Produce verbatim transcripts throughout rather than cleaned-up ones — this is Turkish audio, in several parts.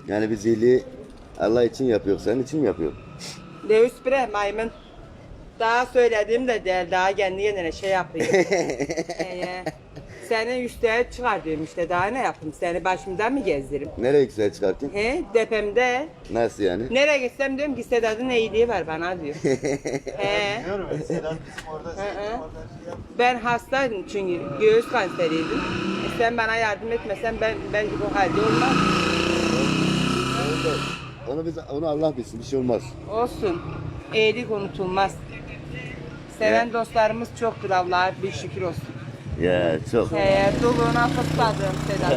Yani biz iyiliği Allah için yapıyor, senin için mi yapıyor? Deus bre maymun. Daha söylediğim de değil, daha kendi kendine şey yapıyor. ee, seni üsteye çıkar diyorum işte, daha ne yapayım, seni başımdan mı gezdirim? Nereye güzel çıkartayım? He, depemde. Nasıl yani? Nereye gitsem diyorum ki Sedat'ın iyiliği var bana diyor. He. Biliyorum ben Sedat bizim orada, Hı Sedat hı. bizim orada şey yaptı. Ben hastaydım çünkü göğüs kanseriydim. E sen bana yardım etmesen ben belki bu halde olmaz. Onu biz, onu Allah bilsin, bir şey olmaz. Olsun. İyilik unutulmaz. Seven Ya. dostlarımız çoktur, Allah'a bir şükür olsun. Ya çok. He, doluğuna fısladım Sedat.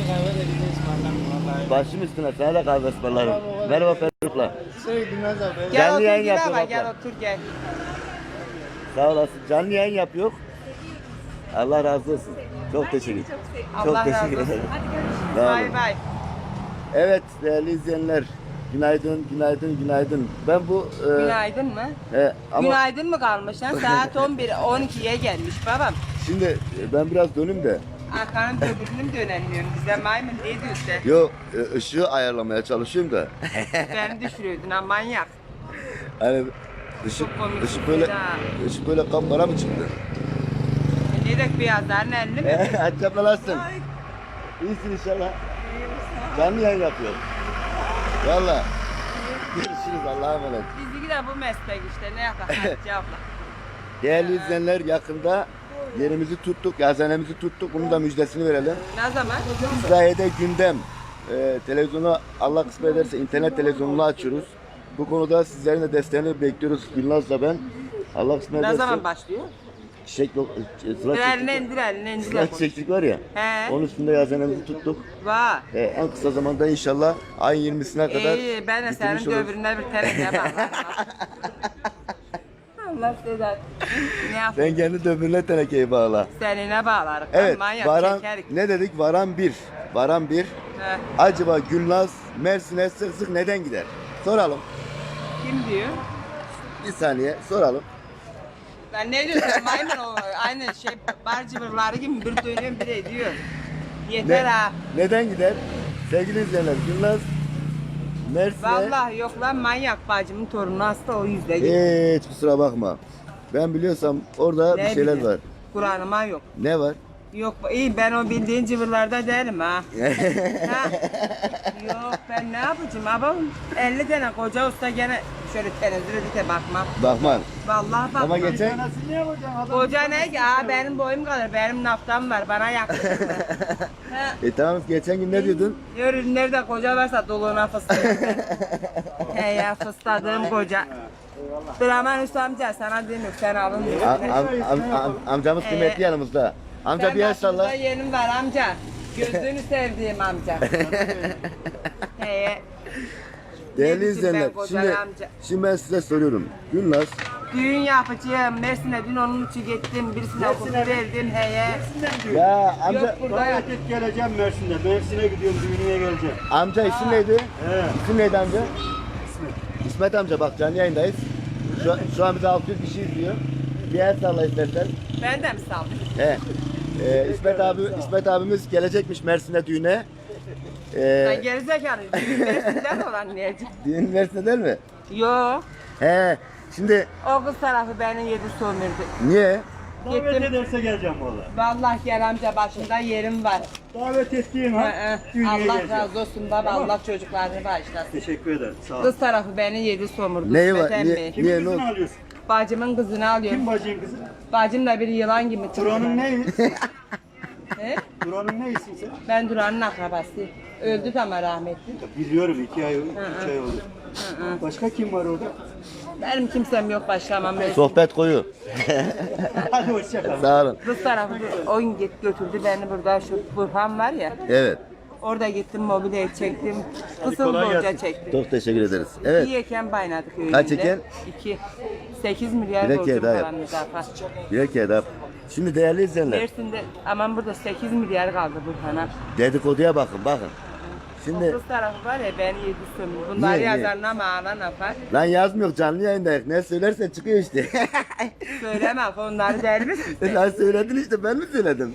Başım üstüne sana da kahve ısmarlarım. Merhaba Ferruh'la. Şey Gülmez abi. Gel Canlı otur yayın gel yapıyor ama abla. gel otur gel. Sağ olasın. Canlı yayın yapıyor. Allah razı olsun. Çok teşekkür ederim. Çok Allah razı teşekkür olsun. ederim. Hadi görüşürüz. Sağ olun. Bay bay. Evet değerli izleyenler. Günaydın, günaydın, günaydın. Ben bu... E, Günaydın mı? he, ama Günaydın mı kalmış lan? Saat on bir on ikiye gelmiş babam. şimdi e, ben biraz dönüm de. Arkanın öbürünü mü dönemiyorum? Bize maymun diye diyorsun. Yo e, ışığı ayarlamaya çalışıyorum da. Beni düşürüyordun ha manyak. Hani ışık, Çok komik ışık böyle ha. ışık böyle kapkara mı çıktı? E, ne dek beyazların elli mi? Açaplarsın. İyisin inşallah. Canlı yayın yapıyor. Valla. Görüşürüz Allah'a emanet. Bizimki de bu meslek işte, ne yapalım Hatice abla. Değerli izleyenler yakında yerimizi tuttuk, yazanemizi tuttuk. Bunun da müjdesini verelim. Ne zaman? İsrail'de gündem. Ee, televizyonu Allah kısmet ederse internet televizyonunu açıyoruz. Bu konuda sizlerin de desteğini bekliyoruz. Gülnaz'la ben. Allah kısmet Ne ederse. zaman başlıyor? Çiçek yok. Sıra Bir elini çektik. indir, elini indir. Sıra çiçeklik var ya. He. Onun üstünde yazanemizi tuttuk. Var. Ee, en kısa zamanda inşallah ayın yirmisine kadar İyi, ben de senin bitirmiş oluruz. döbürüne bir teneke bağlarım. Allah Sedat. Ne yapayım? Sen kendi döbürüne tenekeyi bağla. Seninle bağlarım. Evet, Manyak varan, çekerik. ne dedik? Varan bir. Varan bir. He. Acaba Gülnaz Mersin'e sık sık neden gider? Soralım. Kim diyor? Bir saniye soralım. Ben ne diyorsun maymun o aynı şey bar cıvırları gibi bir dönüyorum bir de diyor. Yeter Ne- ha. Neden gider? Sevgili izleyenler, Gülnaz Mersin'e Vallahi yok lan, manyak bacımın torunu hasta, o yüzden gidiyor. hiç kusura bakma. Ben biliyorsam orada Ne bir şeyler bileyim, var. Kur'an'ıma yok. Ne var? Yok iyi, ben o bildiğin cıvırlarda değilim ha. Ha? Yok ben ne yapacağım abi? elli tane koca usta gene şöyle tenezzül edip bakmam. Bakman. Vallahi bakmam. Ama geçen Nasıl ne yapacaksın adam? Koca ne ki? Aa, benim boyum kadar, benim naftam var, bana yaklaşık mı? Ha? e tamam geçen gün ne diyordun? Yürü, nerede koca varsa doluğuna fıstık. He ya, fıstadığım koca. Dur aman Hüsnü amca, sana demiyorum, sen alın diyor. Am, am, am, am, amcamız Ee, kıymetli yanımızda. Amca bir el salla. Başımda yerim var amca. Gözünü sevdiğim amca. He. Değerli Ne izleyenler, bileyim ben kocaman şimdi, amca. şimdi ben size soruyorum. Gülnaz, Düğün yapacağım. Mersin'e dün onun için gittim. Birisine okulu verdim heye. ya amca, Yok burada yap. Davet et geleceğim Mersin'de. Mersin'e gidiyorum, düğününe geleceğim. amca isim neydi? He. İsim neydi amca? İsmet amca bak canlı yayındayız. Şu, şu an bize altı yüz kişi izliyor. Bir el salla istersen. Ben de mi saldım? He. Ee, İsmet abi İsmet abimiz gelecekmiş Mersin'e düğüne. Ben Ee, gerizekalı. Düğün Mersin'den olan diyeceğim. düğün Mersin'de değil mi? Yok. He. Şimdi O kız tarafı beni yedi sömürdü. niye? Davet Gittim. ederse geleceğim valla. Vallahi gel amca, başında yerim var. Davet ettiğim Hı ha, hı. düğüne Allah geleceğim. razı olsun baba, Tamam. Allah çocuklarını bağışlasın. Teşekkür ederim, sağ ol. Kız tarafı beni yedi sömürdü. Neyi var? İsmet Niye- emmi. Kimin Niye, ne kızını oldu? alıyorsun? Bacımın kızını alıyorum. Kim bacın kızı? Bacım da bir yılan gibi çıktı. Duran'ın neyi? He? Duran'ın neyisin sen? Ben Duran'ın akrabası. Öldü de ama rahmetli. Biliyorum, iki ay, Hı üç hı. ay oldu. Hı hı. Başka kim var orada? Benim kimsem yok başlamam. Sohbet koyu. Hadi hoşça kal. Sağ olun. Kız tarafı o gün git götürdü beni, burada şu Burhan var ya. Evet. Orada gittim, mobilyayı çektim. Kısıl kolay borca gelsin. çektim. Çok teşekkür ederiz. Evet. İyi eken baynadık öyle. Kaç eken? İki. Sekiz milyar Bir de borcum kere daha yap. kalan müdafaa. Bir kere daha. Şimdi değerli izleyenler. Mersin'de aman burada sekiz milyar kaldı Burhan'a. Dedikoduya bakın bakın. Şimdi Kız tarafı var ya beni yedi sömür. Bunları Niye, niye? yazarına mağla yapar. lan yazmıyor, canlı yayındayız. Ne söylersen çıkıyor işte. Söyleme onları der misin sen? Lan söyledin işte, ben mi söyledim?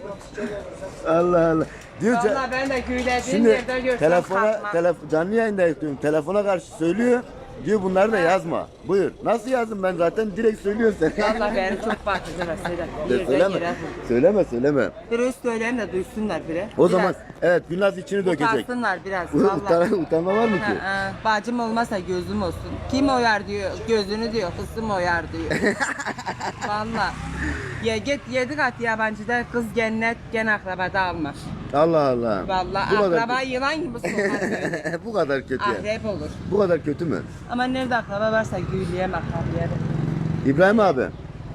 Allah Allah. Diyor ca- Valla ben de güylediğim şimdi yerde görsem telefona kalkmam. telef canlı yayındayız diyorum. Telefona karşı söylüyor. Diyor bunları da yazma. Buyur. Nasıl yazdım ben zaten, direkt söylüyorsun sen. Valla beni çok bakıcılar Sedat. De Yerden söyleme. yere vurdu. Söyleme söyleme. Biraz söyleyin de duysunlar bile. O zaman evet, Gülnaz içini dökecek. Utansınlar biraz valla. Utan, utanma var mı ki? Ha, ha. Bacım olmasa gözüm olsun. Kim oyar diyor, gözünü diyor, kızım oyar diyor. Valla. Ya git yedi kat yabancıda kız cennet gene akrabada alma. Allah Allah. Valla Bu kadar akraba kötü. yılan gibi sokar böyle. Bu kadar kötü yani. Akrep olur. Bu kadar kötü mü? Ama nerede akraba varsa güyleyem akrabaya. İbrahim abi.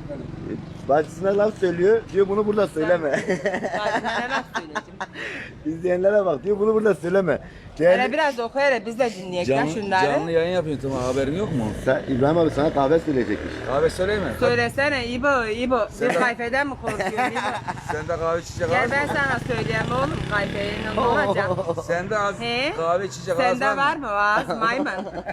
Bacısına laf söylüyor. Diyor bunu burada söyleme. Bacıma ne laf söyleyeceğim. İzleyenlere bak, diyor bunu burada söyleme. Hele Değerli... biraz oku hele biz de dinleyek ya Canlı, şunları. canlı yayın yapıyorsun, tamam, haberin yok mu? Sen, İbrahim abi sana kahve söyleyecekmiş. Kahve söyleyeyim mi? Söylesene İbo, İbo. Sen Bir de- kayfeden mi korkuyorsun İbo? Sen de kahve içecek Gel ağız ben mı? sana söyleyeyim oğlum kayfeyle ne olacak? Sen de az He? kahve içecek ağız Sende var mı? mı ağız maymun?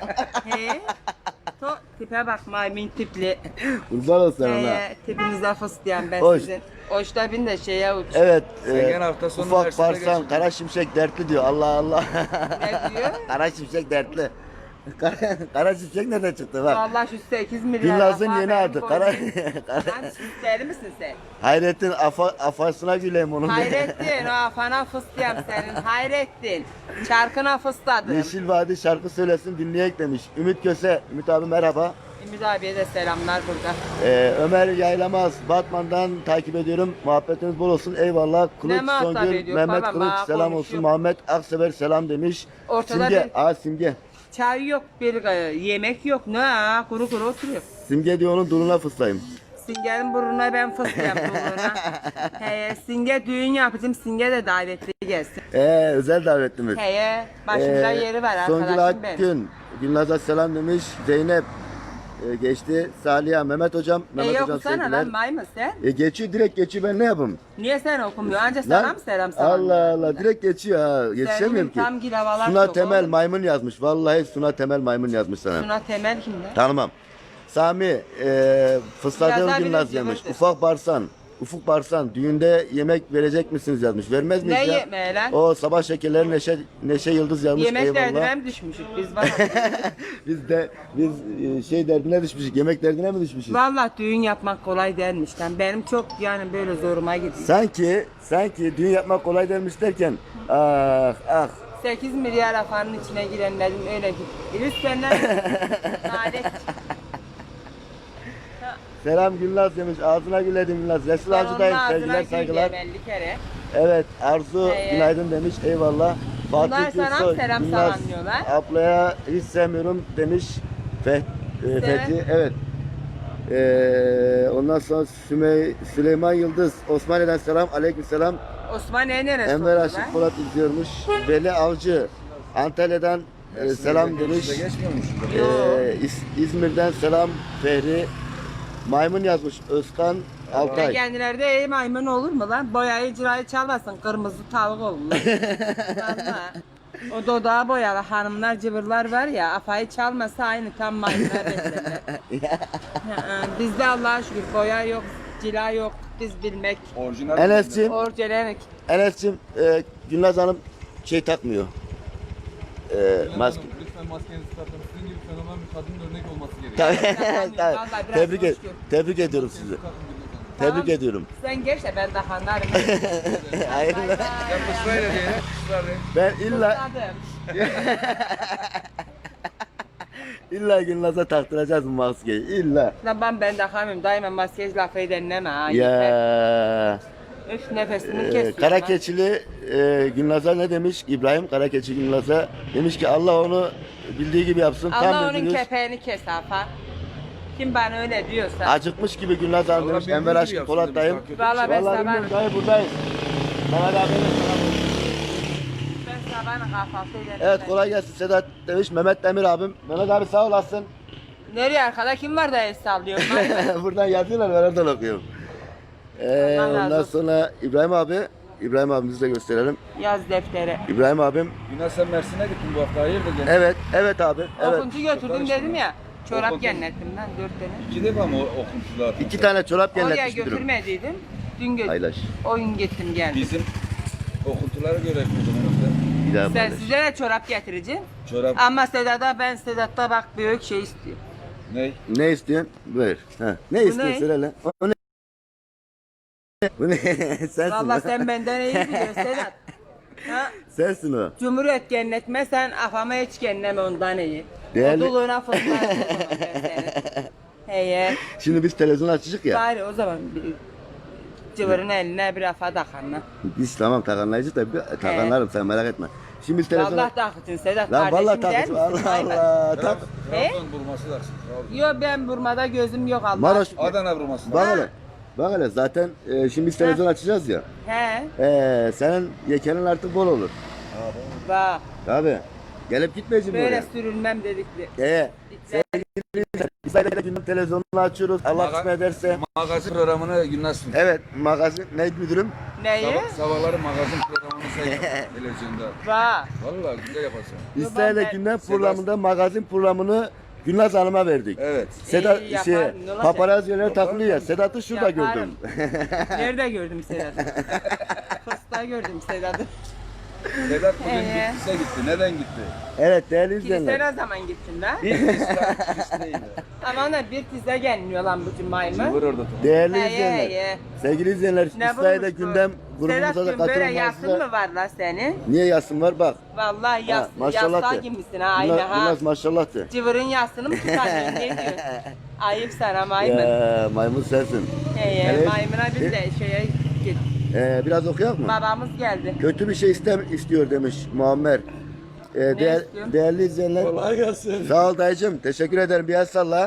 He? To, tipe bak maymun tipli. Kurban olsun ona. He, tipinize fıstıyan ben Hoş. sizin. Hoşta bin de şeye uç. Evet. Sen e, gene hafta sonu ufak üniversitede parsan geçin. kara şimşek dertli diyor. Allah Allah. Ne diyor? Kara şimşek dertli. Kara, kara şimşek nereden çıktı bak. Vallahi şu sekiz milyar. Gülnaz'ın laf var, yeni benim adı. boynum. Kara, Lan deli misin sen? Hayrettin afa, afasına güleyim onun. Hayrettin o afana fıstıyam senin. Hayrettin. Çarkına fısladım. Yeşil Vadi şarkı söylesin dinleyek demiş. Ümit Köse. Ümit abi merhaba. Ümit abiye de selamlar burada. Ee, Ömer Yaylamaz, Batman'dan takip ediyorum. Muhabbetiniz bol olsun. Eyvallah. Kılıç muhabbet Songül, ediyor Mehmet baba, Kılıç bana selam konuşuyor. olsun. Muhammed Aksever selam demiş. Ortada Simge, bir- aa Simge. Çay yok, bir e, yemek yok. Ne ha? Kuru kuru oturuyor. Simge diyor onun duruna fıslayayım. Singe'nin burnuna ben fıstıyam burnuna. He, Singe düğün yapacağım. Singe de davetli gelsin. Ee, özel davetlimiz. Heye, başımda Ee, yeri var Songül arkadaşım benim. Akgün, Gülnaz'a selam demiş. Zeynep e, geçti. Saliha, Mehmet hocam. E Mehmet hocam okusana sevgiler. lan maymun sen. E, geçiyor, direkt geçiyor, ben ne yapayım? Niye sen okumuyorsun? Anca sana mı selam sana? Allah Allah, direkt geçiyor ha. Yetişemiyorum ki. tam gilavalar Suna çok Temel oğlum. maymun yazmış. Vallahi Suna Temel maymun yazmış sana. Suna Temel kimde? Tanımam. Sami, e, fısladığım Biraz daha Gülnaz bilir, demiş. cıvırdır. Ufak Barsan, Ufuk Barsan, düğünde yemek verecek misiniz yazmış. Vermez miyiz Ne ya? yemeği lan? O sabah şekerleri Neşe, Neşe Yıldız yazmış. Yemek Eyvallah. derdine mi düşmüşük biz bana? Biz de biz e, şey derdine düşmüşüz. Yemek derdine mi düşmüşüz? Vallahi düğün yapmak kolay dermiş lan. Benim çok yani böyle zoruma gidiyor. Sanki sanki düğün yapmak kolay dermiş derken ah ah. sekiz milyar afanın içine girenlerin öyle gitti. Lütfen lan. Nalet. Selam Gülnaz demiş. Ağzına güledim Gülnaz. Resul Ben Avcı'dayım. onun Sevgiler ağzına saygılar. güleceğim elli kere. Evet Arzu Ee, günaydın demiş. Eyvallah. Bunlar Fatih sana Gülsoy, selam Gülnaz selamlıyorlar. ablaya hiç sevmiyorum demiş. Feh, e, Fethi. Evet. Ee, ondan sonra Sümey, Süleyman Yıldız. Osmaniye'den selam. Aleykümselam. Osman en neresi Enver oldu Aşık lan? Polat izliyormuş. Veli Avcı. Antalya'dan e, selam demiş. Size geçmiyormuş. Ee, İz- İzmir'den selam Fehri. Maymun yazmış Özkan Ve Altay. kendilerde ey maymun olur mu lan? Boyayı cirayı çalmasın, kırmızı tavuk olur lan. Vallahi. O dodağı boyalı hanımlar cıvırlar var ya, afayı çalmasa aynı tam maymunlar beslenir. Ha, bizde Allah'a şükür boya yok, cila yok, biz bilmek, Orijinal. Enes'cim, orcelemek. Enes'cim e, Gülnaz Hanım şey takmıyor. E, maske. Lütfen maskenizi takın. Sizin gibi fenomen bir kadının örnek olması gerekiyor. Tabii, Vallahi biraz tebrik, et, hoş gör. tebrik ediyorum sizi. Takın Gülnaz Hanım. Tebrik Tamam. ediyorum. Sen geç de ben de hanlarım. Hayır. Bay bay. Ya ısrarla diye. Israrla. Ben illa Fısladım. illa Gülnaz'a taktıracağız bu maskeyi. İlla. Lan ben ben takamıyorum. Daima maskej lafı edenleme ha. yeter. Ya. Üf nefesimi Ee, kesiyor. Karakeçili e, Gülnaz'a ne demiş? İbrahim Karakeçi Gülnaz'a demiş ki Allah onu bildiği gibi yapsın. Allah Tam onun dediniz. kepeğini kes Afa. Kim bana öyle diyorsa. Acıkmış gibi Gülnaz Hanım Allah demiş. bildiği Enver gibi Aşkın yapsın Polat demiş, dayım. daha kötü Vallahi ben Vallahi sabah, bilmiyorum dayı buradayız. Mehmet abiye de selam olsun. ben sabahın kahvaltı ederim. Evet ben. kolay gelsin Sedat demiş. Mehmet Demir abim. Mehmet abi sağ olasın. Nereye arkada kim var da el sallıyor? Buradan yazıyorlar ben oradan okuyorum. Ee, Allah razı ondan olsun. sonra İbrahim abi İbrahim abimizi de gösterelim. Yaz deftere. İbrahim abim. Yine sen Mersin'e gittin bu hafta hayırdır gene? Evet, evet abi. Evet. Okuncu götürdüm dedim ya. Çorap Okuncu. genlettimden dört tane. İki defa mı okumuşlar? İki tane çorap Oraya genletmiş müdürüm. götürmediydim. Dün götürdüm. Paylaş. Oyun gittim geldim. Bizim okuntulara göre yapıyordum herhalde. Bir daha Sen paylaş. size de çorap getireceğim. Çorap Ama Sedat'a ben Sedat'ta bak büyük şey istiyor. ne? Ne istiyorsun? Buyur. Ha. Ne Bu istiyorsun ne? söyle lan. O ne? Bu ne? Sensin. Vallahi o. sen benden iyi biliyorsun Sedat. Ha? Sensin o. Cumhuriyet gennetme sen afama hiç genneme ondan iyi. Değerli- O doluğuna fıslar o zaman ben seni. Heye. Şimdi biz televizyon açacak ya. Bari o zaman bir cıvırın eline bir afa takanla. Biz tamam takanlayıcı da bir takanlarım sen merak etme. Şimdi biz televizyon... Allah takıtın Sedat Lan vallahi kardeşim der takıntı. misin? Allah Hayır. Allah. Tak. He? Trabzon vurması lazım. Trabzon. Yok ben Burma'da gözüm yok Allah. Maraş. Adana vurması Bak lazım. hele. Bak hele zaten e, şimdi biz televizyon açacağız ya. He. E, senin yekenin artık bol olur. Bak Tabii. Gelip gitmeyeceğim böyle oraya. sürünmem dedikli. E, biz de gündem televizyonunu açıyoruz. Allah Maga- kısmet ederse. Magazin programını Yunus sundu. Evet magazin ne müdürüm? Neyi? Sabah, sabahları magazin programını sayıyor televizyonda. Bak. Vallahi güzel yaparsın. İsrail'e ben- gündem Sedat- programında magazin programını Gülnaz Hanım'a verdik. Evet. Sedat İyi, şey yaparım, ne olacak? paparazziler takılıyor ya. Sedat'ı şurada Yaparım. gördüm. Nerede gördüm Sedat'ı? Fıstığa gördüm Sedat'ı. Sedat bugün Ee? Bitlis'e gitti. Neden gitti? Evet değerli Kilise izleyenler. ne zaman gittin lan? Bitlis'te Bitlis'teydi. Ama ona bir tize gelmiyor lan bu cumayı mı? Vur orada tamam. Değerli He, izleyenler. he, he. Sevgili izleyenler Ne İsrail'de bulmuş bu? gündem grubumuza da Sedat böyle katılın. yasın mı var lan senin? Niye yasın var bak. Vallahi yas, Ha, maşallah yastığa de. gibisin ha aynı Gülnaz, ha. Gülnaz maşallah de. Cıvırın yasını mı tutarıyorsun ne diyorsun? Ayıp sana maymun. Ya, maymun sensin. He he Evet. maymuna biz de şeye git. Ee, biraz okuyak mı? Babamız geldi. Kötü bir şey istem istiyor demiş Muammer. Ee, değer, istiyorsun? değerli izleyenler. Kolay gelsin. Sağ ol dayıcım. Teşekkür ederim. Bir el salla.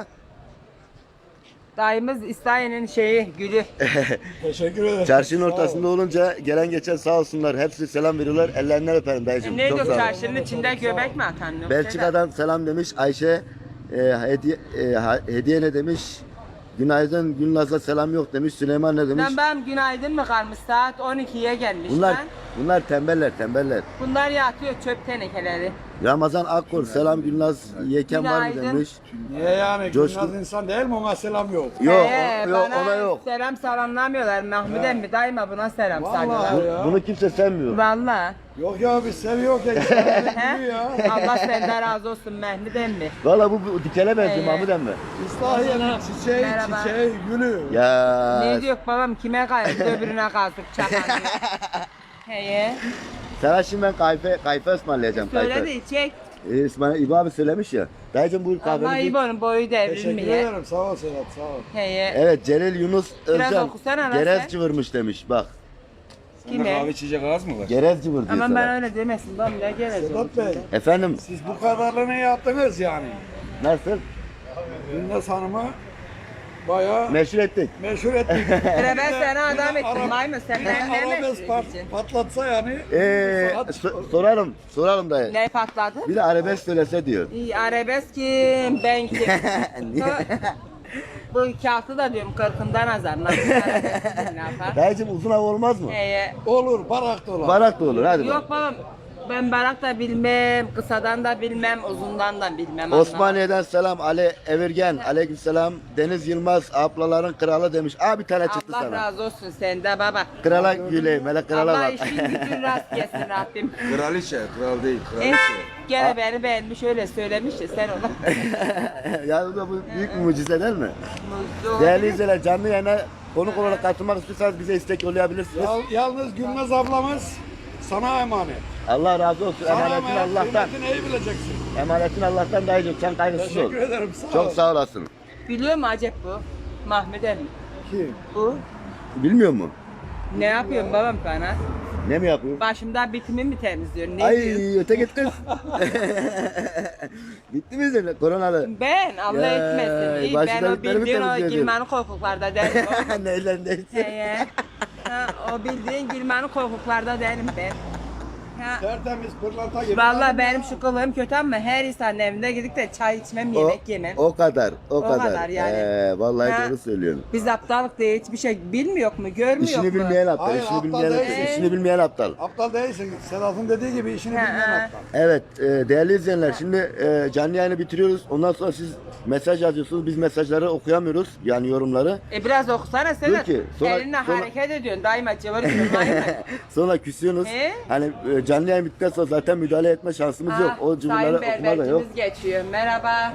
Dayımız İsrail'in şeyi gülü. Teşekkür ederim. Çarşının Sağ ol. ortasında olunca gelen geçen sağ olsunlar. Hepsi selam veriyorlar. Ellerinden öperim dayıcım. Ne Çok diyor sağ ol. çarşının içinde göbek mi atan? Yok Belçika'dan selam demiş Ayşe. E, hediye, e, ha- hediye ne demiş? Günaydın Gülnaz'a selam yok demiş. Süleyman ne demiş? Lan ben günaydın mı kalmış saat on ikiye gelmiş Bunlar lan. bunlar tembeller tembeller. Bunlar yatıyor çöp tenekeleri. Ramazan Akkor selam Gülnaz Yeken var mı Günaydın. demiş. Niye yani? Coşkun- Gülnaz insan değil mi? Ona selam yok. Yok, He, o- yok bana ona yok. Selam salamlamıyorlar. Mahmut emmi daima buna selam Vallahi salıyorlar. ya. Bunu kimse sevmiyor. Valla. Yok ya biz seviyoruz ya. İsrail'e He? gidiyor ya. Allah senden razı olsun Mahmut emmi. Valla bu, bu dikele benziyor Ee. Mahmut emmi. İslahiye'nin çiçeği, Merhaba. çiçeği, gülü. Ya Ne diyor babam kime kayıp öbürüne kalkıp çakan diyor. Heye. sana şimdi ben kayfe, kayfe ısmarlayacağım Söyle kayfe. de içecek. Ee, İsmail İbo abi söylemiş ya. Dayıcım buyur Allah kahvemizi. İbo'nun boyu Teşekkür devrilmiyor. ederim. Sağ ol Sedat. Sağ ol. Heye. Evet Celil Yunus Biraz Özcan. okusana lan Gerez sen. cıvırmış demiş bak. Sende Kime? kahve içecek ağız mı var? Gerez cıvır diyor Aman sana. ben öyle demesin. Babam ne geleceğim. Sedat Bey, Efendim siz bu kadarını yaptınız yani. nasıl? Gülnaz Hanım'ı bayağı Meşhur ettik. meşhur ettik. Hele ben sana adam Bir de ettim Arap- maymun. Sen bir de ben ne Arabes meşhur pat- edeceksin? patlatsa yani. Ee, saat- so- soralım, soralım dayı. Ne patladı? Bir de arabesk söylese diyor. İyi, arabesk kim? Ben kim? Bu kağıtı da diyorum kırkından azar. Nasıl arabesk ne yapar? Dayıcım uzun hava olmaz mı? Ee, Olur, barak da olur. Barak da olur hadi bak. yok babam. Ben barak da bilmem, kısadan da bilmem, uzundan da bilmem. anlamam. Osmaniye'den selam Ali Evirgen. Aleykümselam. Deniz Yılmaz ablaların kralı demiş. Aa bir tane çıktı Allah sana. razı olsun sende baba. Krala güleyim. Hele krala Allah bak. işin gücün rast gelsin Rabbim. Kraliçe, kral değil, Eh, kraliçe. gene beni beğenmiş öyle söylemiş ya sen ona. ya bu da bu büyük bir mucize değil mi? Mutlu. Değerli izleyiciler canlı yayına konuk olarak katılmak istiyorsanız bize istek yollayabilirsiniz. Yal- yalnız Gülnaz ablamız sana emanet. Allah razı olsun. Sana Emanetin emanet, Allah'tan. kıymetini iyi bileceksin. Emanetin Allah'tan dayıcım. Sen kaygısız ol. Teşekkür ederim, sağ ol. Çok sağ olasın. Biliyor mu acep bu? Mahmut emmi. Kim? Bu. Bilmiyor mu? Ne yapıyorsun babam bana? Ne mi yapıyor? Başımda bitimi mi temizliyorsun? Ne Ay diyorsun? öte git kız. Bitti mi senin koronalı? Ben Allah Ya, etmesin. İyi, ben başına o bitleri mi bildiğin o temizliyordun? gülmenin korkuklarda değilim. Neylendeyse. Heye. Ha, o bildiğin gülmenin korkuklarda değilim ben. Ha. Tertemiz pırlanta gibi. Vallahi benim şu kılığım kötü ama her insanın evinde gidip de çay içmem, O, yemek yemem. o kadar, o, O kadar. kadar yani. Ee, vallahi Ha. doğru söylüyorsun. Biz aptallık diye hiçbir şey bilmiyor mu, görmüyor İşini mu? bilmeyen aptal, Hayır, işini aptal bilmeyen, değil. işini bilmeyen aptal. Aptal değilsin. Sedat'ın dediği gibi işini Ha, bilmeyen ha. aptal. Evet, e, değerli izleyenler, şimdi e, canlı yayını bitiriyoruz. Ondan sonra siz mesaj yazıyorsunuz, biz mesajları okuyamıyoruz, yani yorumları. E biraz okusana Sedat. ki, sonra- Elinle sonra- hareket ediyorsun, daima cıvır cıvır maymun. Sonra küsüyorsunuz. He? Hani e, canlı yayın bittikten sonra zaten müdahale etme şansımız yok. O cümleleri Sayın okuma da yok. berbercimiz geçiyor. Merhaba.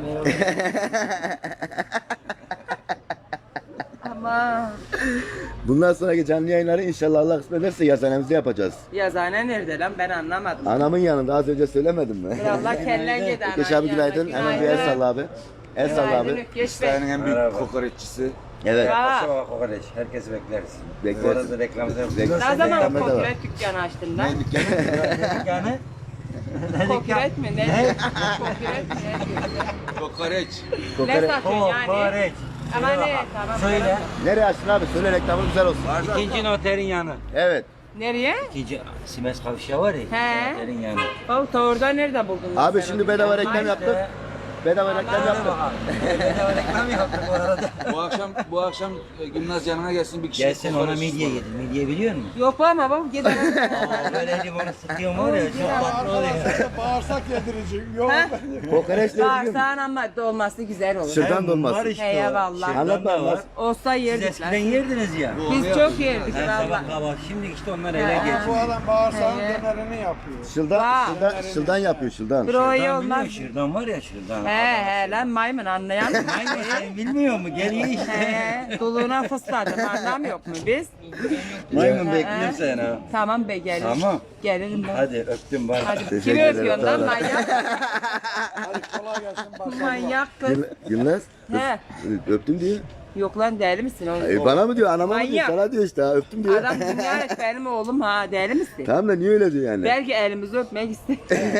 Ama Bundan sonraki canlı yayınları inşallah Allah kısmet ederse yazanemizi yapacağız. yazane nerede lan, ben anlamadım. Anamın yanında az önce söylemedim mi? Bir Allah kellen gidi ananın Ökeş abi günaydın. yanına. Hemen bir el salla abi. El salla Günaydın abi. Ökeş Bey. İstahiye'nin en büyük kokoreççisi. Evet. Aa, Sabah kokoreç. Herkes bekleriz. Bekleriz. Bu arada reklamda Bekleriz. ne zaman Reklamda da var. kokoreç dükkanı açtın lan? yani Kokoreç mi? Ne? Kokoreç mi? Kokoreç. Ne Kokoreç. satıyorsun yani? kokoreç. Ama ne? Tamam. Söyle. Nereye açtın abi? Söyle reklamı güzel olsun. İkinci noterin yanı. Evet. Nereye? İkinci Simes kavşağı var ya. He. ikinci noterin yanı. O orada nerede buldun? Abi sen şimdi onu? bedava reklam yaptık. Bedava reklam yaptık. Bedava reklam yaptık bu arada. Bu akşam bu akşam e, Gülnaz yanına gelsin bir kişi Gelsin ona kokoreç midye ısmarla. yedir. Midye biliyor musun? Yok ama bak gidelim. Aa, böyle limonu sıkıyorum var ya çok tatlı oluyor. Arkadaşlar bağırsak yedirici. Yok. Ha? Kokoreç ne biliyor musun? Bağırsağın ama dolması güzel olur. Şırdan Hem dolması. var işte He, o. vallahi. Şırdan Anlatma, da anlat. var. Olsa Siz yerdik eskiden lan. yerdiniz ya. Bu Biz onu çok yapıyor. yerdik Her valla. sabah kahvaltı. Şimdi işte onlar ele He. geçiyor. Bu adam bağırsağın He. dönerini yapıyor. Şıldan, Vay. şıldan, şıldan yapıyor şıldan. Bro iyi Şırdan olmaz. biliyor, şırdan var ya şırdan. He he lan maymun anlayan mı? Aynen sen bilmiyor mu? Geliyor işte. He doluğuna fısladım anlamıyor mu biz? Maymun He. bekliyorum seni ha. Tamam be gelirim. Tamam. Gelirim ben. Hadi öptüm bari. Hadi Teşekkür kimi ederim, öpüyorsun sağ lan ol. manyak? Hadi kolay gelsin. Başarılar. Manyak kız. Gül- Gülnaz. He. Öptüm diyor. Yok lan deli misin oğlum? E, bana mı diyor, anama mı diyor, Manyak. sana diyor işte ha, öptüm diyor. Adam dünya et benim oğlum ha deli misin? Tamam da niye öyle diyor yani? Belki elimizi öpmek istiyor.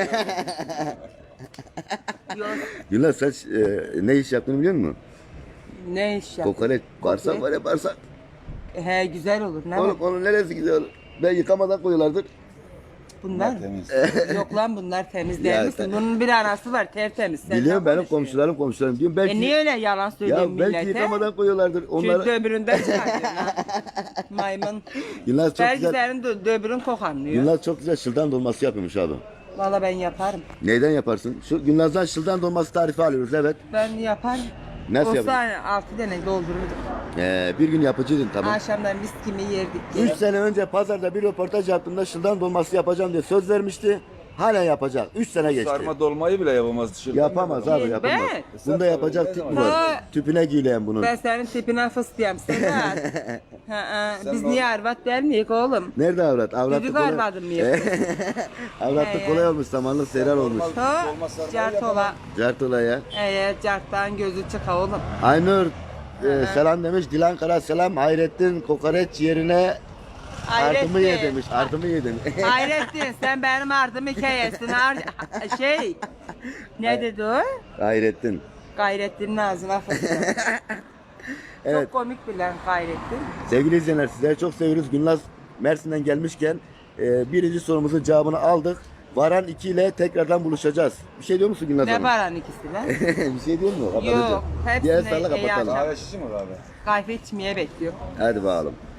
Yok. Gülnaz sen e, ne iş yaptığını biliyor musun? Ne iş yap? Kokoreç. Bağırsak var ya bağırsak. He güzel olur ne Oğlum var? onun neresi güzel olur? Ben yıkamadan koyuyorlardır. Bunlar Temiz. yok lan bunlar temiz Ya değil misin? sen- Bunun bir anası var tertemiz. Sen Biliyorum ne benim konuşuyorsun? komşularım komşularım diyorum belki. E niye öyle yalan söylüyorsun ya belki millete? yıkamadan koyuyorlardır. Şu Onları döbüründen çıkartıyorsun ha. Maymun. Gülnaz çok Belki güzel. senin dö- döbürün kokanlıyor. Gülnaz çok güzel şıldan dolması yapıyormuş abi. Valla ben yaparım. Neyden yaparsın? Şu Gülnaz'dan şıldan dolması tarifi alıyoruz evet. Ben yaparım. Nasıl Olsa yaparsın? altı tane doldururdum. Ee, bir gün yapıcıydın tamam. Akşamdan mis gibi yerdik. Üç sene önce pazarda bir röportaj yaptığımda şıldan dolması yapacağım diye söz vermişti. Halen yapacak. Üç sene geçti. Sarma dolmayı bile yapamaz dışarıda. Yapamaz abi Ben- yapamaz. Bunda yapacak tip mi var? Ha. Tüpüne giyilen bunun. Ben senin tipine fıstıyam Sedat. Ha, ha. Biz niye arvat der miyiz oğlum? Nerede avrat? Avratlık Çocuk kolay. arvadım mı yapıyorsun? Avratlık He. kolay olmuş, samanlık seyran olmuş. Ha, cartola. Cartola. Cart ya. Evet, carttan gözü çıka oğlum. Aynur e, selam demiş. Dilan Kara selam. Hayrettin kokoreç yerine ardımı ye Hayrettin. demiş. Ardımı ye demiş. Hayrettin sen benim ardımı hikayesini ar şey ne dedi o? Hayrettin. Gayrettin'in ağzına fıstığı. Evet. Çok komik bilen Gayrettin. Sevgili izleyenler sizleri çok seviyoruz. Gülnaz Mersin'den gelmişken e, birinci sorumuzun cevabını aldık. Varan iki ile tekrardan buluşacağız. Bir şey diyor musun Gülnaz Ne Hanım? varan ikisi lan? Bir şey diyor mu? Yok, hepsine Diğer sarla iyi kapatalım. akşam. Kahve şişi mi abi? Kahve içmeye bekliyor. Hadi bakalım.